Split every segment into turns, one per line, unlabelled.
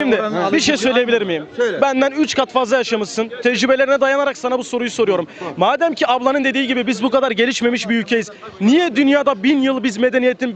Şimdi bir şey söyleyebilir miyim?
Söyle.
Benden 3 kat fazla yaşamışsın. Tecrübelerine dayanarak sana bu soruyu soruyorum. Madem ki ablanın dediği gibi biz bu kadar gelişmemiş bir ülkeyiz. Niye dünyada 1000 yıl biz medeniyetin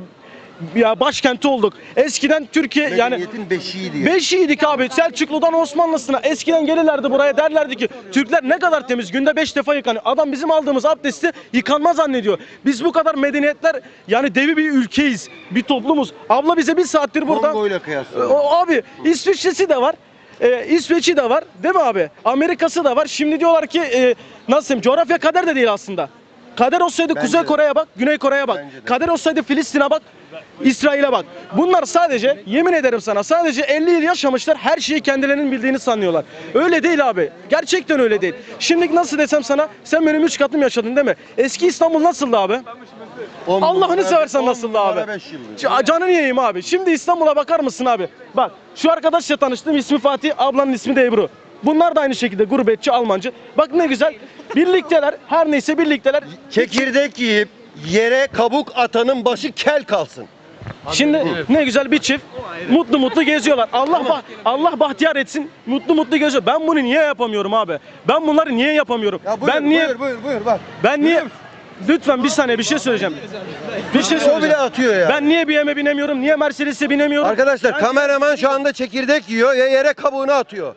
başkenti olduk? Eskiden Türkiye yani
Medeniyetin beşiğiydi.
beşiydik abi. Selçuklu'dan Osmanlısına. Eskiden gelirlerdi buraya, derlerdi ki Türkler ne kadar temiz. Günde 5 defa yıkanıyor. Adam bizim aldığımız abdesti yıkanma zannediyor. Biz bu kadar medeniyetler yani devi bir ülkeyiz. Bir toplumuz. Abla bize bir saattir burada.
Kongo'yla kıyasla.
Abi İsviçre'si de var. İsveç'i de var. Değil mi abi? Amerika'sı da var. Şimdi diyorlar ki nasıl diyeyim? Coğrafya kader de değil aslında. Kader olsaydı
Bence
Kuzey
de.
Kore'ye bak, Güney Kore'ye bak.
Bence de.
Kader olsaydı Filistin'e bak, İsrail'e bak. Bunlar sadece, yemin ederim sana, sadece 50 yıl yaşamışlar, her şeyi kendilerinin bildiğini sanıyorlar. Öyle değil abi. Gerçekten öyle değil. Şimdi nasıl desem sana, sen benim 3 katım yaşadın değil mi? Eski İstanbul nasıldı abi? Allah'ını seversen nasıldı abi? Canını yiyeyim abi. Şimdi İstanbul'a bakar mısın abi? Bak, şu arkadaşla tanıştım, ismi Fatih, ablanın ismi de Ebru. Bunlar da aynı şekilde gurbetçi, Almancı. Bak ne güzel. Birlikteler, her neyse birlikteler.
Çekirdek yiyip yere kabuk atanın başı kel kalsın.
Şimdi ne güzel bir çift mutlu mutlu geziyorlar. Allah bahtiyar etsin. Mutlu mutlu geziyor. Ben bunu niye yapamıyorum abi? Ben bunları niye yapamıyorum?
Ya buyur,
ben niye
buyur bak.
ben niye Lütfen bir saniye bir şey söyleyeceğim. Bir şey
O
söyleyeceğim.
bile atıyor ya.
Ben niye BM'e binemiyorum? Niye Mercedes'e binemiyorum?
Arkadaşlar
Ben-
kameraman şu anda çekirdek yiyor ya yere kabuğunu atıyor.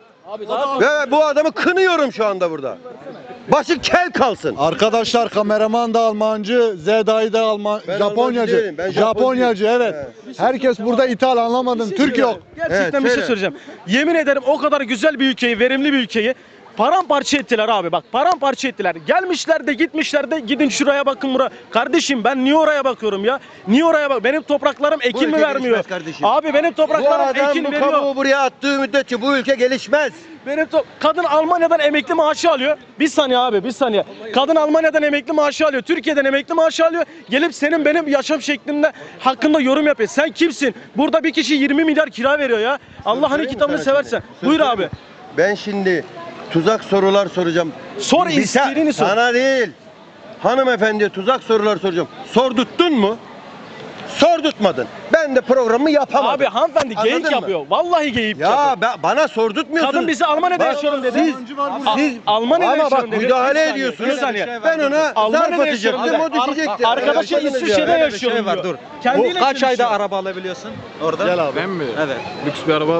Ve bu adamı kınıyorum şu anda burada. Başı kel kalsın.
Arkadaşlar kameraman da Almancı, Zeda'yı da
Ben
Japonyacı.
Almancı değilim, ben
Japonyacı evet. Herkes burada ithal anlamadın. Türk yok.
Gerçekten
Evet,
bir şey
söyle.
söyleyeceğim. Yemin ederim o kadar güzel bir ülkeyi, verimli bir ülkeyi paramparça ettiler abi, bak paramparça ettiler. Gelmişler de gitmişler de, gidin şuraya bakın buraya. Kardeşim ben niye oraya bakıyorum ya? Niye oraya bak? Benim topraklarım ekin mi
ülke
vermiyor?
gelişmez kardeşim.
Abi benim
Bu
topraklarım
adam
ekin
bu
veriyor.
kabuğu buraya attığı müddetçe bu ülke gelişmez.
Kadın Almanya'dan emekli maaşı alıyor. Bir saniye abi, bir saniye. Kadın Almanya'dan emekli maaşı alıyor. Türkiye'den emekli maaşı alıyor. Gelip senin benim yaşam şeklimde hakkında yorum yapıyor. Sen kimsin? Burada bir kişi 20 milyar kira veriyor ya. Allah'ın
Söyleyeyim mi
kitabını
sana
seversen.
şimdi?
Buyur
Söz
abi.
söyleyeyim. Ben şimdi tuzak sorular soracağım.
Sor, istediğini sor.
Sana değil. Hanımefendiye tuzak sorular soracağım. Sordurttun mu? Sordurtmadın. Ben de programı yapamadım.
Abi hanımefendi
Anladın
geyik
mı?
yapıyor. Vallahi geyik yapıyor.
Ya bana sordurtmuyorsunuz.
Kadın bizi Almanya'da
Bak,
yaşıyorum dedi.
Siz
Almanya'da
ama bak
yaşıyorum dedi.
müdahale
Bir saniye,
ediyorsunuz.
bir saniye.
Ben ona
Almanya'da
zarf
yaşıyorum
atacaktım,
dedi.
o düşecekti.
Arkadaşa
Anladınız ya.
İsviçre'de
Öyle bir
yaşıyorum
şey var,
diyor.
dur.
Kendiyle
Bu kaç ayda
konuşuyor.
araba alabiliyorsun orada?
Gel abi.
Ben mi?
Evet.
Lüks bir araba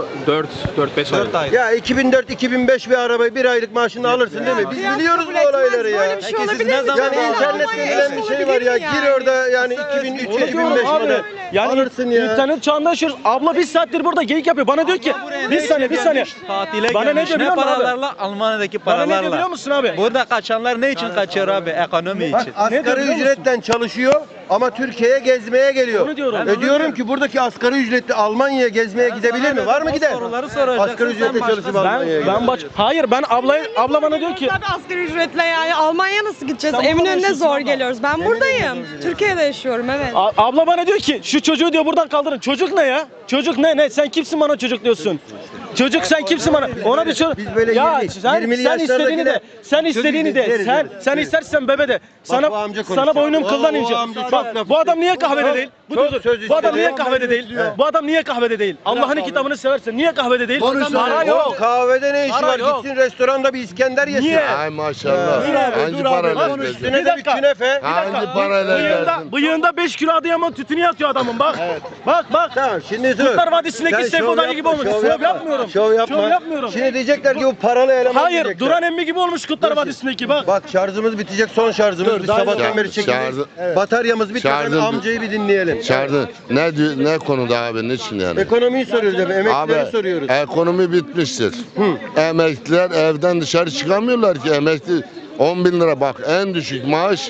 4-5 ay.
4 ay.
Ya 2004-2005 bir arabayı bir aylık maaşını alırsın değil mi? Biz
Biraz
biliyoruz
kabul
bu
etmez.
olayları ya.
Böyle bir şey
Peki siz
olabilir
ne
mi?
zaman-
Yani
Almanya
internette
eş
bilen bir şey var
olabilir
ya.
mi
Gir
yani?
orada yani
Onu diyorum
2003-2005
abi.
model.
Yani
Alırsın ya.
internet çağında yaşıyoruz. Abla bir saattir burada geyik yapıyor. Bana diyor ki bir saniye.
Tatile
Bana ne
gelmiş.
diyor
Ne
biliyor musun abi?
paralarla? Almanya'daki
Bana ne diyor
paralarla.
biliyor musun abi?
Burada kaçanlar ne için kaçıyor abi? Ekonomi
Bak
için.
Ne diyor
asgari
biliyor musun?
ücretten çalışıyor ama Türkiye'ye gezmeye geliyor.
Onu diyorum.
Diyorum ki buradaki asgari ücretli Almanya'ya gezmeye gidebilir mi? Var mı gider?
Soruları soracaksın.
Asgari ücretle
Sen
çalışıp
başkasın.
Almanya'ya gider.
Hayır ben abla bana diyor ki
Zaten asgari ücretle yani Almanya nasıl gideceğiz?
Sen burada
Eminönü'ne
yaşıyorsun
zor
abla.
geliyoruz. Ben buradayım. Türkiye'de yaşıyorum evet.
abla bana diyor ki şu çocuğu diyor buradan kaldırın. Çocuk ne ya? Çocuk ne? Sen kimsin bana çocuk diyorsun? Çocuk sen kimsin bana? Ona bir çocuk.
Biz böyle
Ya
20'li
sen
yaşlardaki
istediğini de. Sen
çocuk
istediğini de.
deriz,
Sen
deriz.
istersen bebe de.
bu amca konuşuyor.
Sana boynum kıldan
O
ince.
amca çok
Bak
laf
bu adam
istiyor.
niye kahvede değil?
Çok söz
Bu adam
istiyor.
niye kahvede değil? Bu adam niye kahvede değil? Allah'ın kitabını seversen niye kahvede değil?
Konuş
Para
lan.
yok.
O kahvede ne işi
Para
var?
yok.
Gitsin restoranda bir İskender yesin.
Niye?
Ay maşallah.
Dur abi,
Hangi
dur abi,
parayla
konuş.
gezdin?
Üstüne de bir
dakika.
künefe.
Hangi parayla gezdin?
Bıyığında 5 kilo Adıyaman tütünü yatıyor adamın bak. Bak.
Tamam şimdi dur.
Kurtlar Vadisi'ndeki
Sen
Seyfo
şov
Dayı gibi
yapma,
olmuş.
şov
Şov
yapma.
yapmıyorum.
Şov yapma.
Şov yapmıyorum.
Şimdi diyecekler ki bu paralı eleman
Hayır,
diyecekler.
Duran emmi gibi olmuş Kurtlar Vadisi'ndeki bak.
Bak şarjımız bitecek, son şarjımız. Biz sabahtan beri çekildik. Bataryamız bitmeden
Şarjım-
amcayı bir dinleyelim.
Çağırdın. Ne konuda abi? Niçin yani?
Ekonomiyi soruyoruz abi,
Abi
emeklileri soruyoruz.
ekonomi bitmiştir. Emekliler evden dışarı çıkamıyorlar ki. Emekli 10 bin lira bak en düşük maaş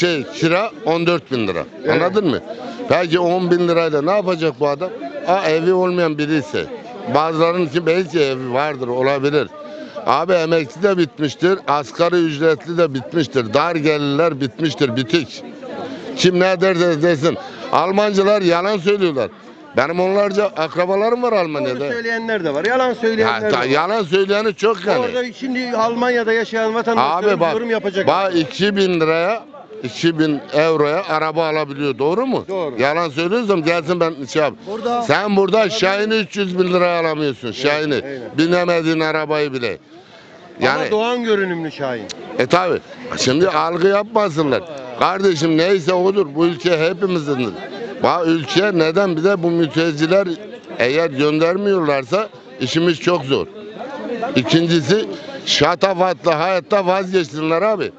kira 14 bin lira. Anladın mı? Peki 10 bin lirayla ne yapacak bu adam? Evi olmayan biri ise. Bazılarının ki belki evi vardır olabilir. Abi emekli de bitmiştir. Asgari ücretli de bitmiştir. Dar gelirler bitmiştir. Bitik. Kim ne derse desin. Almancılar yalan söylüyorlar. Benim onlarca akrabalarım var
Doğru
Almanya'da.
söyleyenler de var, yalan söyleyenler de var.
Yalan söyleyeni çok yani.
Orada şimdi Almanya'da yaşayan vatandaşlar
Abi bak,
yorum yapacak.
bak 2000 liraya 2000 euroya araba alabiliyor. Doğru mu?
Doğru.
Yalan söylüyorsam gelsin ben şey yap.
Burada-
Sen burada Şahin'i 300 bin liraya alamıyorsun. Şahin'i.
aynen.
Binemediğin arabayı bile. Yani
Ama Doğan görünümlü Şahin.
tabi. Şimdi algı yapmasınlar. Kardeşim neyse odur. Bu ülke hepimizindir. Bak ülke neden bize bu mülteciler eğer göndermiyorlarsa işimiz çok zor. İkincisi şatafatlı hayatta vazgeçsinler abi.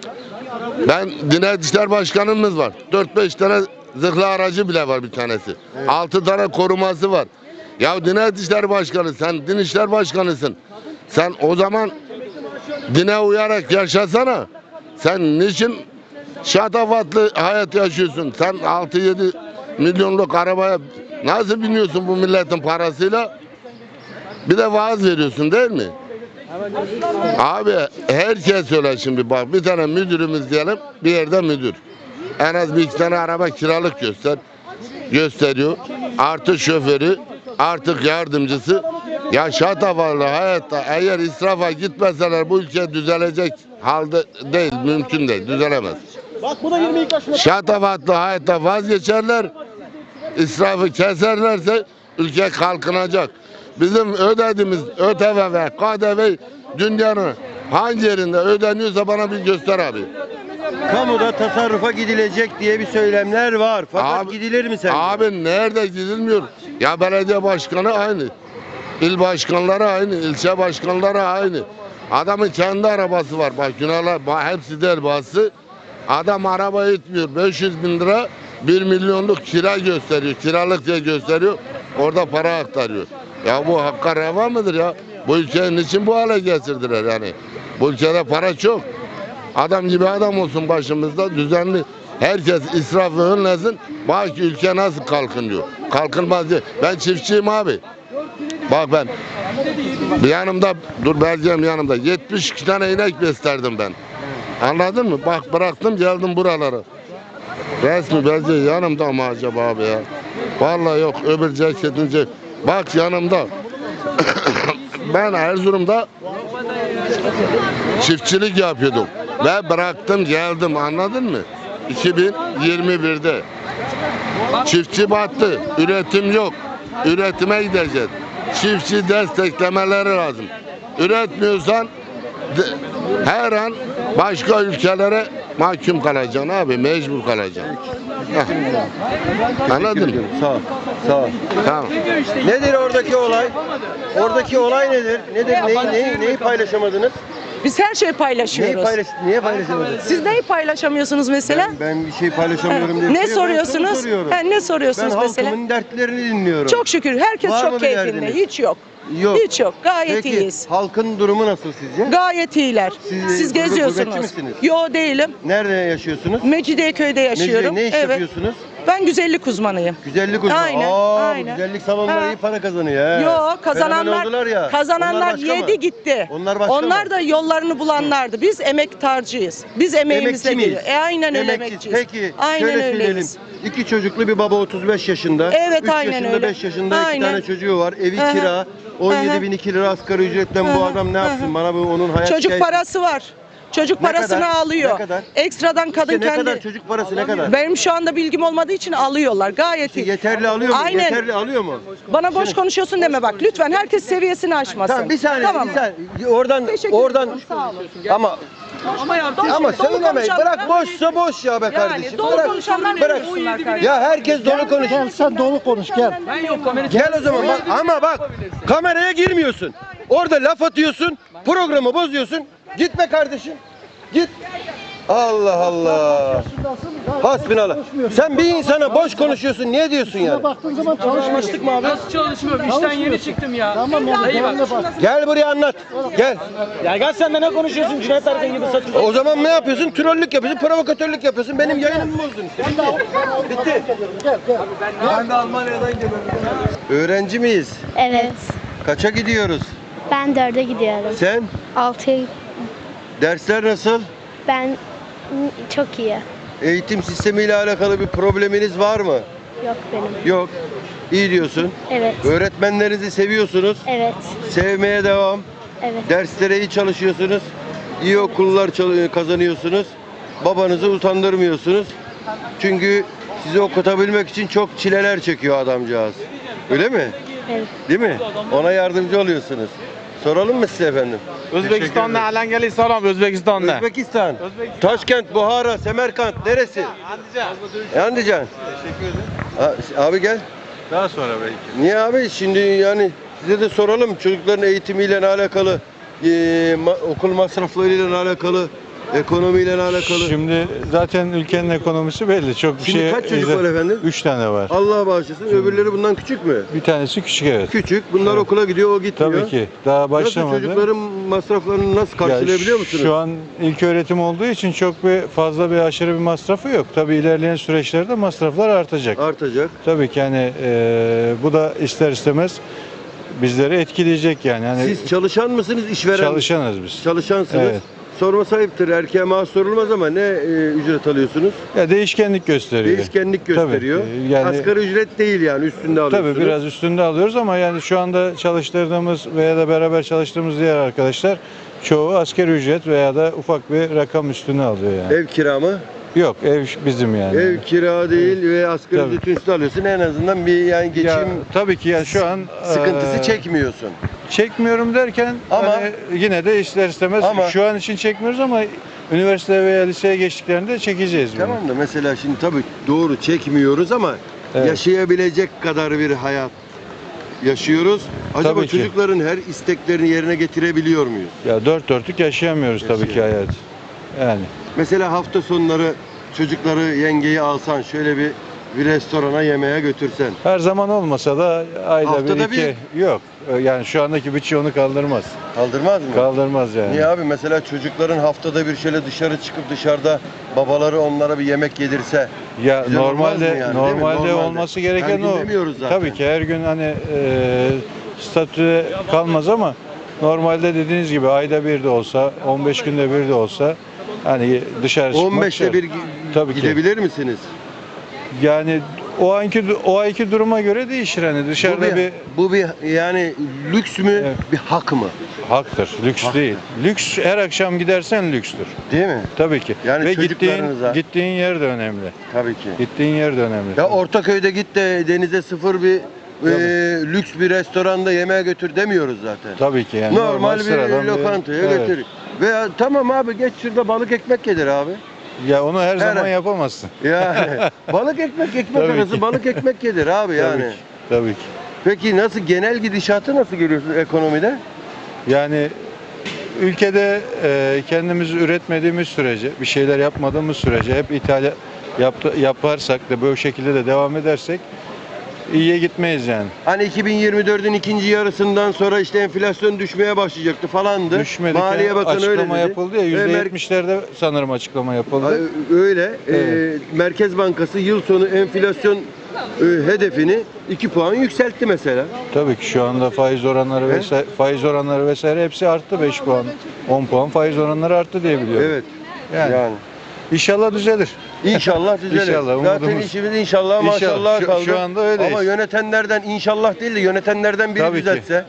Ben Diyanet İşleri Başkanımız var. 4-5 tane zırhlı aracı bile var bir tanesi. 6 tane koruması var. Ya Diyanet İşleri Başkanı, sen Din İşleri Başkanısın. Sen o zaman dine uyarak yaşasana. Sen niçin şatafatlı hayat yaşıyorsun? Sen 6-7 milyonluk arabaya nasıl biniyorsun bu milletin parasıyla? Bir de vaaz veriyorsun değil mi? Abi herkes öyle şimdi bak bir tane müdürümüz diyelim bir yerde müdür. En az bir iki tane araba kiralık gösteriyor. Artı şoförü, artık yardımcısı. Ya şatafatlı hayatta eğer israfa gitmeseler bu ülke düzelecek halde değil, mümkün değil, düzelemez.
Bak bu da 22 yaşında.
Şatafatlı hayatta vazgeçerler, israfı keserlerse ülke kalkınacak. Bizim ödediğimiz ÖTV ve KDV dünyanın hangi yerinde ödeniyorsa bana bir göster abi.
Kamuda tasarrufa gidilecek diye bir söylemler var. Fakat
Abi-
gidilir mi sen?
Abi nerede gidilmiyor? Ya belediye başkanı aynı. İl başkanları aynı, ilçe başkanları aynı. Adamın kendi arabası var. Bak günahlar hepsi de elbası. Adam araba itmiyor. 500 bin lira 1 milyonluk kira gösteriyor. Kiralık diye gösteriyor. Orada para aktarıyor. Ya bu hakka reva mıdır ya? Bu ülkenin için bu hale getirdiler yani. Bu ülkede para çok. Adam gibi adam olsun başımızda düzenli. Herkes israfı önlesin. Bak ki ülke nasıl kalkınıyor. Kalkınmaz diye. Ben çiftçiyim abi. Bak ben bir yanımda dur belgem yanımda 72 tane inek beslerdim ben. Anladın mı? Bak bıraktım geldim buralara. Resmi belge yanımda mı acaba abi ya? Vallahi yok öbür ceketince. Bak yanımda. Ben Erzurum'da çiftçilik yapıyordum. Ve bıraktım geldim anladın mı? 2021'de. Çiftçi battı. Üretim yok. Üretime gideceğiz. Çiftçi desteklemeleri lazım. Üretmiyorsan her an başka ülkelere mahkum kalacaksın abi. Mecbur kalacaksın. Heh. Anladın mı?
Sağ ol. Sağ ol.
Tamam.
Nedir oradaki olay? Oradaki olay nedir? Nedir? Neyi paylaşamadınız?
Biz her şeyi paylaşıyoruz.
Niye paylaşamadınız?
Siz neyi paylaşamıyorsunuz mesela?
Ben bir şey paylaşamıyorum diye.
Ne soruyorsunuz? Ne
Ben
soruyorsunuz mesela?
halkımın dertlerini dinliyorum.
Çok şükür herkes
Var mı
çok
bir
keyfinde.
derdiniz?
Hiç yok.
Yok.
Hiç yok. Gayet
Peki,
iyiyiz.
halkın durumu nasıl sizce?
Gayet iyiler. Siz
gurbetçi
geziyorsunuz.
misiniz?
Yo değilim.
Nerede yaşıyorsunuz?
Mecidiyeköy'de yaşıyorum.
Ne iş
Evet.
yapıyorsunuz?
Ben güzellik uzmanıyım.
Güzellik uzmanı.
Aynen,
Bu
aynen.
güzellik salonları
Ha.
iyi para kazanıyor. He.
Yo
Fenomen
kazananlar
oldular ya.
kazananlar
Onlar başka mı?
yedi gitti.
Onlar başka mı?
da yollarını bulanlardı. Biz emektarcıyız. Biz emeğimizle
Emekçi miyiz?
geliyor. Aynen öyle
Emekçiyiz.
emekçiyiz.
Peki
Aynen
şöyle söyleyelim.
öyleyiz.
2 çocuklu bir baba 35 yaşında.
Evet,
3
aynen
yaşında
öyle.
5 yaşında 2
Aynen.
tane çocuğu var. Evi
Aha.
kira. 17.002 lira asgari ücretle bu adam ne yapsın? Bana bu onun hayat
Çocuk
hikayesi-
parası var. Çocuk
Ne
parasını
kadar?
alıyor.
Ne kadar?
Ekstradan kadın
İşte ne
kendi.
kadar çocuk parası ne kadar?
Benim şu anda bilgim olmadığı için alıyorlar. Gayet iyi.
Yeterli alıyor mu?
Aynen.
Yeterli alıyor mu?
Bana boş konuşuyorsun deme bak. Lütfen herkes seviyesini aşmasın.
Tamam bir saniye
Tamam
bir
mı?
saniye. Oradan
Teşekkür ederim. Sağ olun.
ama
Dolu
söylemeyin.
konuşanlar-
Bırak boşsa boş ya be
Yani
kardeşim.
dolu
Bırak.
konuşanlar
Bırak.
buyursunlar kardeşim.
Ya herkes dolu konuş.
Gel sen dolu konuş gel.
Gel o zaman bak ama bak kameraya girmiyorsun. Orada laf atıyorsun, programı bozuyorsun. Gitme kardeşim. Git. Allah Allah. Hasbinallah. Sen bir insana boş konuşuyorsun. Niye diyorsun yani?
Baktığın zaman çalışmıştık mı abi?
Nasıl çalışmıyorum? İşten yeni çıktım ya.
Tamam ya. Dayı bak.
Gel buraya anlat. Gel.
Ya gel sen de ne konuşuyorsun Cüneyt Arkın gibi satıyorsun.
O zaman ne yapıyorsun? Trollük yapıyorsun, provokatörlük yapıyorsun. Benim yayınımı bozdun işte. Bitti. Ben de Almanya'dan geliyorum. Öğrenci miyiz?
Evet.
Kaça gidiyoruz?
Ben 4'e gidiyorum.
Sen?
6'ya
Dersler nasıl?
ben çok iyi.
Eğitim sistemiyle alakalı bir probleminiz var mı?
Yok benim.
Yok. İyi diyorsun.
Evet.
Öğretmenlerinizi seviyorsunuz.
Evet.
Sevmeye devam.
Evet.
Derslere iyi çalışıyorsunuz. İyi okullar kazanıyorsunuz. babanızı utandırmıyorsunuz. Çünkü sizi okutabilmek için çok çileler çekiyor adamcağız. Öyle mi?
Evet.
Değil mi? Ona yardımcı oluyorsunuz. Soralım mı size efendim?
Özbekistan'da halen geliyor salam Özbekistan'da.
Özbekistan. Taşkent, Buhara, Semerkant neresi? Andijan. Teşekkür ederim. Abi gel.
Daha sonra belki.
Niye abi? Şimdi yani size de soralım. Çocukların eğitimiyle alakalı, okul masraflarıyla alakalı, ekonomiyle alakalı.
Şimdi zaten ülkenin ekonomisi belli. Çok bir
Şimdi
şey.
kaç çocuk var efendim?
3 tane var.
Allah bağışlasın. Öbürleri bundan küçük mü?
Bir tanesi küçük, evet.
Küçük. Bunlar
Evet.
okula gidiyor, o gitmiyor.
Tabii ki. Daha başlamadı.
Nasıl çocukların masraflarını nasıl karşılayabiliyor musunuz?
Şu an ilk öğretim olduğu için çok fazla bir aşırı bir masrafı yok. Tabii ilerleyen süreçlerde masraflar artacak.
Artacak.
Tabii ki hani bu da ister istemez bizleri etkileyecek yani. Hani
Siz çalışan mısınız, işveren?
çalışanız biz.
Çalışansınız.
Evet.
Sorması ayıptır. Erkeğe maaş sorulmaz ama ne ücret alıyorsunuz?
Ya değişkenlik gösteriyor.
Değişkenlik gösteriyor.
Tabii, yani
Asgari ücret değil yani, üstünde alıyorsunuz.
tabii biraz üstünde alıyoruz ama yani şu anda çalıştırdığımız veya da beraber çalıştığımız diğer arkadaşlar çoğu asgari ücret veya da ufak bir rakam üstüne alıyor yani.
Ev kira mı?
Yok, ev bizim yani.
Ev kira değil ve asgari
Tabii.
ücret üstü alıyorsun. En azından bir yani geçim
Ya, tabii ki yani şu an
sıkıntısı
eee,
çekmiyorsun.
çekmiyorum derken
Ama-
hani yine de ister istemez
Ama-
şu an için çekmiyoruz ama üniversite veya liseye geçtiklerinde çekeceğiz bunu.
Tamam da mesela şimdi tabii doğru çekmiyoruz ama
Evet.
yaşayabilecek kadar bir hayat yaşıyoruz. Acaba
Tabii ki.
çocukların her isteklerini yerine getirebiliyor muyuz?
Ya dört dörtlük yaşayamıyoruz tabii ki hayat. Yani
Mesela hafta sonları çocukları, yengeyi alsan şöyle bir restorana yemeğe götürsen.
her zaman olmasa da ayda
Haftada
bir iki yok. Yani şu andaki bütçe onu kaldırmaz.
Kaldırmaz mı?
Kaldırmaz yani.
Niye abi? Mesela çocukların haftada bir şöyle dışarı çıkıp dışarıda babaları onlara bir yemek yedirse.
Ya
Güzel olmaz
normalde
mı yani, değil mi?
normalde
Normalde.
olması gereken
Her gün
o.
demiyoruz zaten.
Tabii ki her gün hani statüde kalmaz ama normalde dediğiniz gibi ayda bir de olsa, 15 günde bir de olsa hani dışarı çıkmak
15'te
şart.
bir
Tabii ki.
gidebilir misiniz?
Yani o ayki duruma göre değişir hani dışarıda
Bu bir yani lüks mü,
Evet.
bir hak mı?
haktır, lüks değil. Lüks her akşam gidersen lükstür.
Değil mi?
Tabii ki.
Yani
ve
çocuklarınıza-
gittiğin yer de önemli.
Tabii ki.
Gittiğin yer de önemli.
Ya Ortaköy'de git de denize sıfır bir lüks bir restoranda yemeğe götür demiyoruz zaten.
Tabii ki yani
Normal bir
sıradan
lokantaya
evet.
götür. Veya tamam abi geç şurada balık ekmek yedir abi.
Ya onu her zaman
Her-
yapamazsın.
Yani balık ekmek
Tabii
arası
ki.
balık ekmek yedir abi yani.
Tabii ki. Tabii ki.
Peki nasıl genel gidişatı nasıl görüyorsun ekonomide?
Yani ülkede kendimiz üretmediğimiz sürece, bir şeyler yapmadığımız sürece hep yaparsak da böyle şekilde de devam edersek iyiye gitmeyiz yani.
Hani 2024'ün ikinci yarısından sonra işte enflasyon düşmeye başlayacaktı falandı.
Düşmedik.
Maliye Bakanı öyle
açıklama
dedi.
yapıldı ya %70'lerde sanırım açıklama yapıldı.
Öyle.
Evet.
Merkez Bankası yıl sonu enflasyon hedefini 2 puan yükseltti mesela.
Tabii ki şu anda faiz oranları vesaire hepsi arttı 5 puan. 10 puan faiz oranları arttı diye biliyorum.
Evet.
Yani. İnşallah düzelir.
İnşallah düzelir.
İnşallah,
Zaten
umudumuz.
işimiz inşallah
İnşallah.
maşallah kaldı.
Şu anda öyleyiz.
Ama yönetenlerden inşallah değil de yönetenlerden biri
Tabii ki.
düzeltse.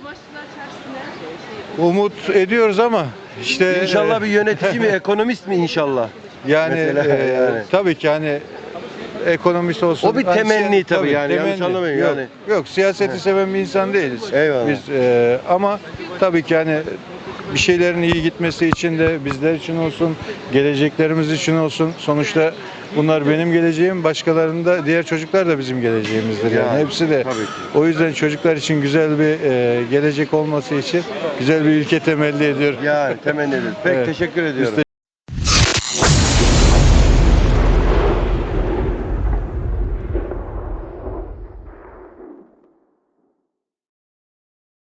Umut ediyoruz ama işte
İnşallah bir yönetici mi, ekonomist mi inşallah?
yani,
Mesela yani.
tabii ki hani ekonomist olsun.
O bir
Hani
temenni tabii yani, yanlış anlamayın
yok,
yani.
Yok siyaseti seven bir insan değiliz.
Eyvallah.
Biz ama tabii ki hani bir şeylerin iyi gitmesi için de bizler için olsun, geleceklerimiz için olsun. Sonuçta bunlar benim geleceğim, başkalarının da diğer çocuklar da bizim geleceğimizdir yani.
Yani,
Hepsi de.
tabii ki.
O yüzden çocuklar için güzel bir gelecek olması için güzel bir ülke temelli ediyor.
Yani temenni ediyoruz. Peki
Evet.
teşekkür ediyorum.